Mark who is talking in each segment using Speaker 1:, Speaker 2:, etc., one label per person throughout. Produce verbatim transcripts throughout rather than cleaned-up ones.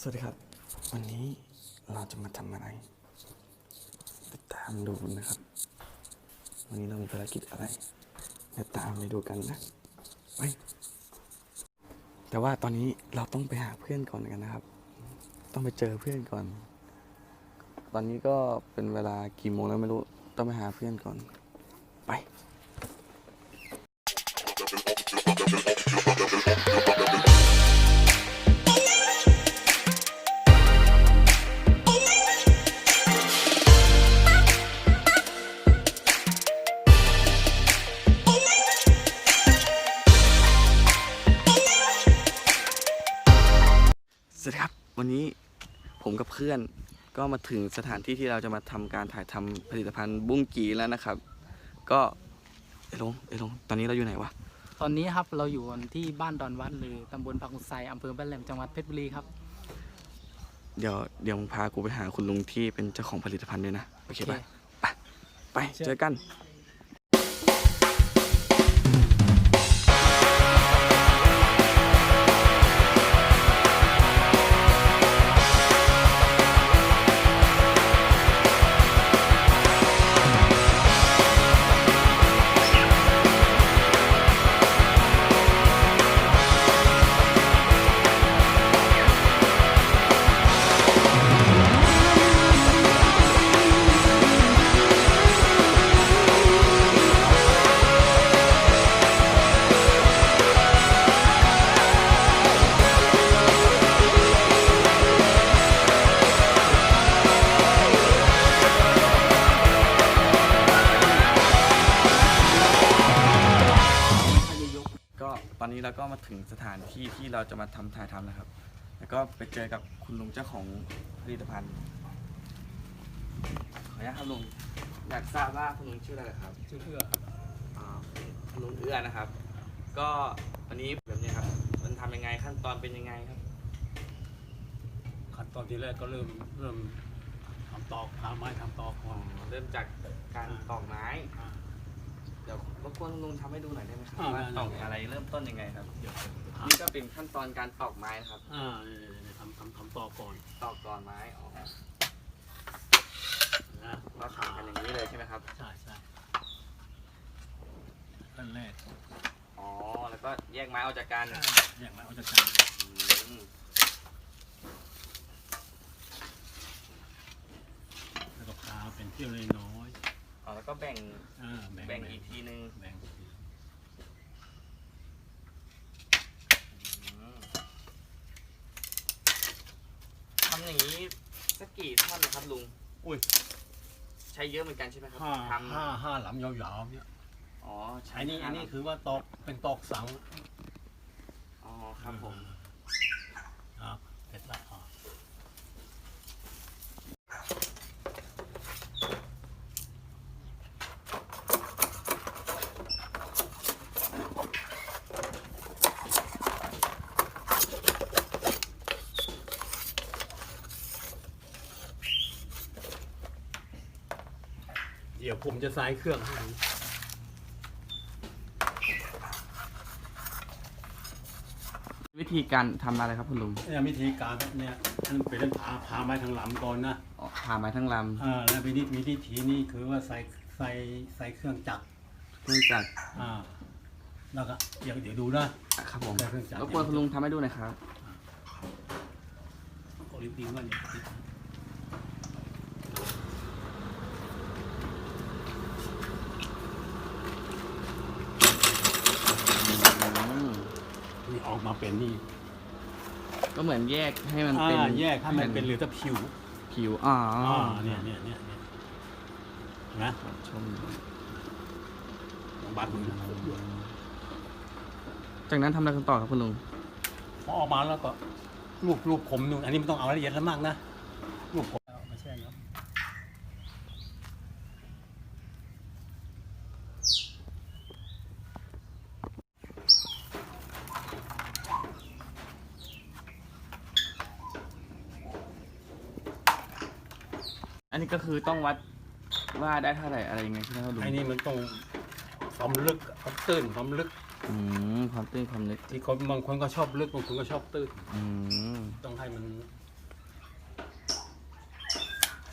Speaker 1: วัสดีครับวันนี้เราจะมาทำอะไรติดตามดูนะครับวันนี้เรามีภารกิจอะไรเดี๋ยวตามไปดูกันนะไปแต่ว่าตอนนี้เราต้องไปหาเพื่อนก่อนกันนะครับต้องไปเจอเพื่อนก่อน ตอนนี้ก็เป็นเวลากี่โมงแล้วไม่รู้ต้องไปหาเพื่อนก่อนไปสวัสดีครับวันนี้ผมกับเพื่อนก็มาถึงสถานที่ที่เราจะมาทำการถ่ายทำผลิตภัณฑ์บุ้งกีแล้วนะครับ ก็เอลงเอลงตอนนี้เราอยู่ไหนวะ
Speaker 2: ตอนนี้ครับเราอยู่ที่บ้านดอนวัดหรือตำบลปากกุไซอำเภอบ้านแหลมจังหวัดเพชรบุรีครับ
Speaker 1: เดี๋ยวเดี๋ยวมึงพากูไปหาคุณลุงที่เป็นเจ้าของผลิตภัณฑ์ด้วยนะโอเคป่ะไปไปเจอกันตอนนี้เราก็มาถึงสถานที่ที่เราจะมาทำถ่ายทำนะครับ แล้วก็ไปเจอกับคุณลุงเจ้าของผลิตภัณฑ์ขออนุญาตครับลุงอยากทราบว่าคุณลุงชื่ออะไรครับ
Speaker 3: ชื่อเอื้อครับ
Speaker 1: อ่าคุณลุงเอื้อนะครับ ก็วันนี้แบบนี้ครับมันทำยังไงขั้นตอนเป็นยังไงครับ
Speaker 3: ขั้นตอนที่แรกก็เริ่มเริ่มทำตอกหาไม้ทำตอกก่อน
Speaker 1: เริ่มจากการตอกไม้เดี๋ยวรบกวนลุงทำให้ดูหน่อยได้ไหมครับว่าตอกอะไรเริ่มต้นยังไงครับนี่ก็เป็นขั้นตอนการตอกไม้นะครับ
Speaker 3: อ่าทำทำทำตอกก่อน
Speaker 1: ตอกก่อนไม้อ๋อนะเราทำกันอย่างนี้เลยใช่ไหมครับ
Speaker 3: ใช่ใช่ขั้นแรก
Speaker 1: อ๋อแล้วก็แยกไม้ออกจากกัน
Speaker 3: แยกไม้ออกจากกันแล้วก็พาเป็นเที่ยวเลยน้อย
Speaker 1: อ๋อแล้วก็แบ่งแบ่งอีกทีนึง
Speaker 3: แบ่ง
Speaker 1: ทำอย่างนี้สักกี่ท่อนนะครับลุงอุ้ยใช้เยอะเหมือนกันใช่ไหมครับ
Speaker 3: ทำห้าห้าหลำยาวๆเนี่ย
Speaker 1: อ๋อ
Speaker 3: ใช้นี่อันนี้คือว่าตอกเป็นตอกสัง
Speaker 1: อ๋อครับผม
Speaker 3: ครับเสร็จแล้วเดี๋ยวผมจะใส่เครื่องให้
Speaker 1: วิธีการทำอะไรครับคุณลุง
Speaker 3: เนี่ยวิธีการเนี่ยมันเป็นผาผาไม้ทั้งลำก่อนนะ
Speaker 1: ผ่าไม้ทั้งล
Speaker 3: ำอ่าแล้ววิธีวิธีนี้คือว่าใส่ใส่ใส่เครื่องจักร
Speaker 1: เครื่องจักร
Speaker 3: อ่าแล้วก็เดี๋ยวเดี๋ยวดูนะครับ
Speaker 1: ผมรบกวนคุณลุงทำให้ดูหน่อยครับ
Speaker 3: โอลิมปิกว่าเนี่ยนี่ออกมาเป็นนี่
Speaker 1: ก็เหมือนแยกให้มันเป็น
Speaker 3: แยกให้มันเป็นเหลือแต่ผิว
Speaker 1: ผิวอ๋อ
Speaker 3: เนี่ยเนี่ยเนี่ยนะ
Speaker 1: ชม
Speaker 3: บัตร
Speaker 1: จากนั้นทำอะไรกันต่อครับคุณลุง
Speaker 3: พอออกมาแล้วก็ลูกลูกผมนู่นอันนี้ไม่ต้องเอาละเอียดแล้วมากนะลูกผมไม่ใช่ครับ
Speaker 1: อันนี้ก็คือต้องวัดว่าได้เท่าไหร่อะไรยังไงใช่ไหมครับลุง
Speaker 3: ไอ้นี่มันต้องความลึกความตื้นความลึก
Speaker 1: อืมความตื้นความลึก
Speaker 3: ที่คนบางคนก็ชอบลึกบางคนก็ชอบตื้น
Speaker 1: อืม
Speaker 3: ต้องให้มัน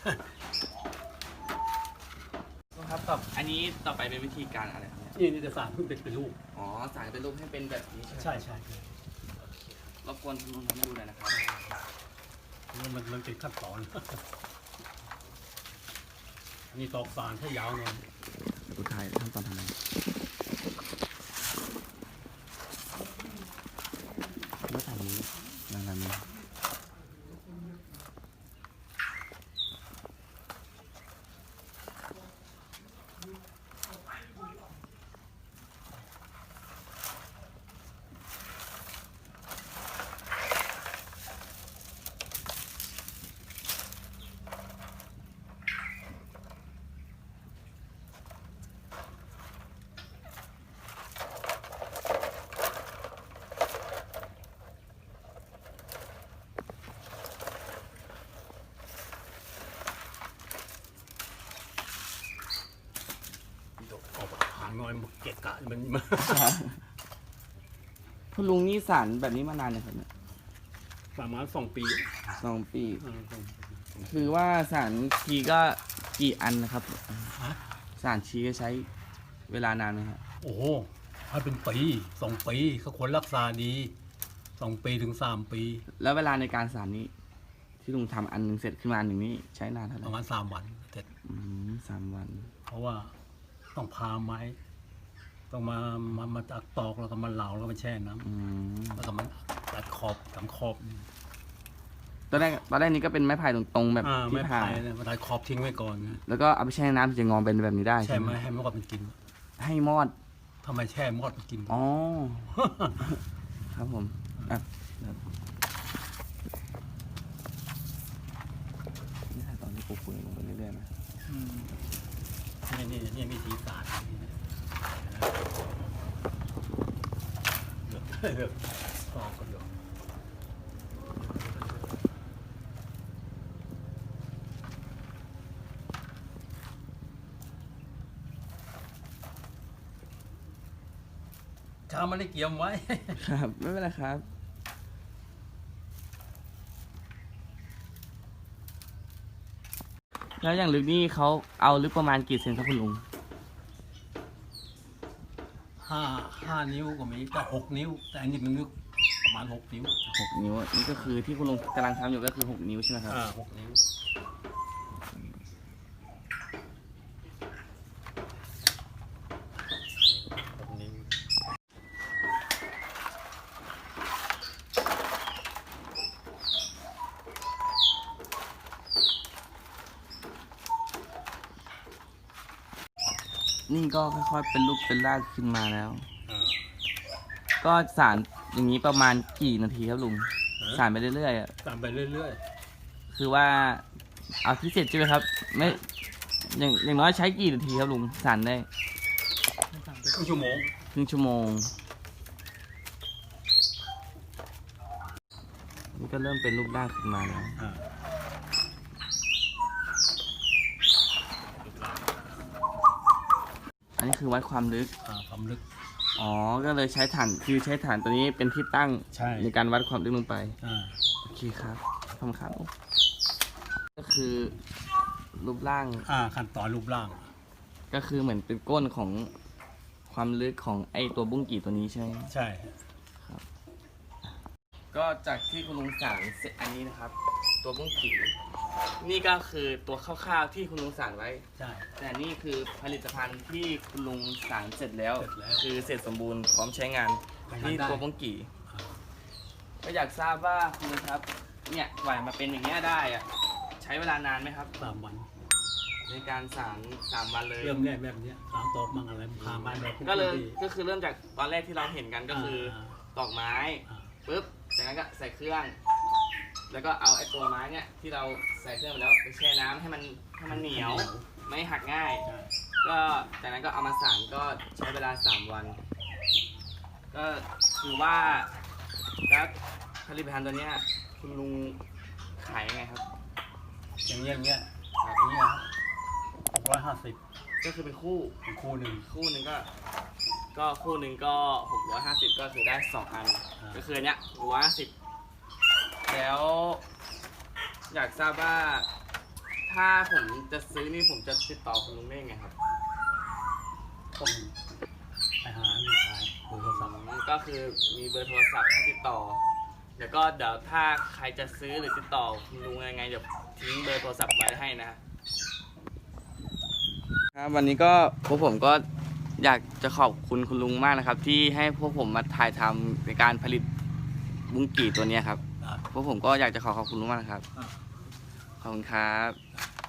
Speaker 1: ครับต่ออันนี้ต่อไปเป็นวิธีการอะไรครับเนี่ย
Speaker 3: นี่นี่จะสารเพิ่งเป็นเป็นลูก
Speaker 1: อ๋อสารเป็นรูปให้เป็นแบบนี้ใช่ไหม
Speaker 3: ใช่ใช่ใช่
Speaker 1: รบกวนคุณลุงทำให้ดูหน่อยนะครับ
Speaker 3: มันมันมันเป็นขั้นตอน อันนี้ตอกสารให้ยาวหน่อย
Speaker 1: ดูถ่ายขั้นตอนทำไงแล้วถ่ายนี้นานๆนี้
Speaker 3: ออกหางน้อยมันเกะกะมันมัน
Speaker 1: คุณลุงนี่สารแบบนี้มานานเลยครับเนี่ย
Speaker 3: ประมาณสองปี
Speaker 1: สองปี
Speaker 3: เออสองปี
Speaker 1: คือว่าสารชีก็กี่อันนะครับ
Speaker 3: ฮะ
Speaker 1: สารชีก็ใช้เวลานานไหมครับ
Speaker 3: โอ้โหถ้าเป็นปีสองปีเขาควรรักษาดีสองปีถึงสามปี
Speaker 1: แล้วเวลาในการสารนี้ ที่ลุงทำอันหนึ่งเสร็จขึ้นมาอันหนึ่งนี่ใช้นานเท่าไห
Speaker 3: ป
Speaker 1: ร่
Speaker 3: ระมาณสามวันเสร็จ
Speaker 1: อืมสามวัน
Speaker 3: เพราะว่าต้องพาไม้ ต้องมามามาตัดตอกแล้วก็มาเหลาแล้วก็มาแช่น้ำ
Speaker 1: อืม
Speaker 3: แล้วก็มันตัดขอบสามขอบ
Speaker 1: ตอนแรกตอนแรกนี้ก็เป็นไม้ไผ่ตรงๆแบบ
Speaker 3: อ่า
Speaker 1: ที่
Speaker 3: ไม่
Speaker 1: ผ่า
Speaker 3: ผ่ายเนี่ยมาตัดขอบทิ้งไว้ก่อนนะ
Speaker 1: แล้วก็เอาไปแช่น้ำถึงจะงอเป็นแบบนี้ได้
Speaker 3: แช่ไหมให้มันก็มันกิน
Speaker 1: ให้มอด
Speaker 3: ทำไมแช่มอดมันกิน
Speaker 1: อ๋อ ครับผมอ่ะครับนี่ถ่ายตอนที่ปูปุ๋ยลงไปเรื่อยๆนะ
Speaker 2: อืม
Speaker 3: นี่นี่นี่วิธีศาสตร์เลือกเลือกตอกก็เลือกชามันได้เกี่ยมไว้
Speaker 1: ครับ ไม่เป็นไรครับ แล้วอย่างลึกนี่เขาเอาลึกประมาณกี่เซนครับคุณลุง
Speaker 3: ห้าห้านิ้วก็มีแต่หกนิ้ว แต่อันนี้มันลึกประมาณหกนิ้ว
Speaker 1: หกนิ้วอ่ะนี่ก็คือที่คุณลุงกำลังทำอยู่ก็คือหกนิ้วใช่ไหมครับ
Speaker 3: อ่าหกนิ้วหกนิ้ว
Speaker 1: นี่ก็ค่อยๆเป็นรูปเป็นร่างขึ้นมาแล้ว
Speaker 3: อ่า
Speaker 1: ก็สารอย่างนี้ประมาณกี่นาทีครับลุง สารไปเรื่อยๆอ่ะ
Speaker 3: ตามไปเรื่อย
Speaker 1: คือว่าเอาพิเศษใช่ไหมครับ ไม่อย่างอย่างน้อยใช้กี่นาทีครับลุงสารได้
Speaker 2: ไม่ต่าง
Speaker 3: ๆครึ่งชั่วโมง
Speaker 1: ครึ่งชั่วโมง นี่ก็เริ่มเป็นรูปร่างขึ้นมาแล้ว
Speaker 3: อ่า
Speaker 1: อันนี้คือวัดความลึก
Speaker 3: อ่าความลึก
Speaker 1: อ๋อ ก็เลยใช้ฐานคือใช้ฐานตัวนี้เป็นที่ตั้ง
Speaker 3: ใช่
Speaker 1: ในการวัดความลึกลงไป
Speaker 3: อ่า
Speaker 1: โอเคครับขอบคุณครับก็คือรูปร่าง
Speaker 3: อ่าขั้นตอนรูปร่าง
Speaker 1: ก็คือเหมือนเป็นก้นของความลึกของไอตัวบุ้งกี่ตัวนี้ใช่ไหม
Speaker 3: ใช่
Speaker 1: ก็จากที่คุณลุงสารเสร็จอันนี้นะครับ ตัวบุ้งกี่นี่ก็คือตัวคร่าวๆที่คุณลุงสารไว้
Speaker 3: ใช่
Speaker 1: แต่นี่คือผลิตภัณฑ์ที่คุณลุงสารเสร็จแล้ว
Speaker 3: เสร็จแล้ว
Speaker 1: คือเสร็จสมบูรณ์พร้อมใช้งาน
Speaker 3: ใช้งาน
Speaker 1: นี่
Speaker 3: ได้
Speaker 1: ตัวบุ้งกี่
Speaker 3: อ่า
Speaker 1: ก็อยากทราบว่าคุณลุงครับเนี่ยกว่ามาเป็นอย่างเงี้ยได้อะใช้เวลานานไหมครับ
Speaker 3: สามวัน
Speaker 1: ในการสารสามวันเลย
Speaker 3: เริ่มแรกแบบเนี้ยสามตอกมั่งอะไรพามาแบบ
Speaker 1: ก็เลยก็คือเริ่มจากตอนแรกที่เราเห็นกันก็คือ
Speaker 3: อ่า
Speaker 1: ตอกไม้
Speaker 3: อ่า
Speaker 1: ปุ๊บจากนั้นก็ใส่เครื่อง แล้วก็เอาไอ้ตัวไม้เนี่ยที่เราใส่เครื่องไปแล้วไปแช่น้ำให้มันให้มันเหนียว ไม่หักง่าย
Speaker 3: ใช่
Speaker 1: ก็จากนั้นก็เอามาสานก็ใช้เวลาสามวัน ก็คือว่าแล้วผลิตภัณฑ์ตัวเนี้ยคุณลุงขายยังไงครับ
Speaker 3: อย่างเงี้ยอย่างเงี้ยอย่างเงี้ยหกร้อยห้าสิบ
Speaker 1: ก็คือเป็นคู่
Speaker 3: คู่หนึ่ง
Speaker 1: คู่หนึ่งก็ ก็คู่หนึ่งก็หกร้อยห้าสิบก็คือได้สองอัน
Speaker 3: อ่า
Speaker 1: ก็คืออันเนี้ยหกร้อยห้าสิบแล้ว อยากทราบว่าทถ้าผมจะซื้อนี่ผมจะติดต่อคุณลุงได้ยังไงครับ
Speaker 3: ต้องไปหาลูกชายเบอร์โทรศัพท์
Speaker 1: ก็คือมีเบอร์โทรศัพท์ให้ติดต่อ เดี๋ยวก็เดี๋ยวถ้าใครจะซื้อหรือติดต่อคุณลุงยังไงเดี๋ยวทิ้งเบอร์โทรศัพท์ไว้ให้นะครับครับวันนี้ก็พวกผมก็อยากจะขอบคุณคุณลุงมากนะครับ ที่ให้พวกผมมาถ่ายทำในการผลิตบุ้งกี่ตัวนี้ครับ
Speaker 3: อ่า
Speaker 1: พวกผมก็อยากจะขอขอบคุณลุงมากนะครับ
Speaker 3: อ่า
Speaker 1: ขอบคุณครับ
Speaker 3: อ่า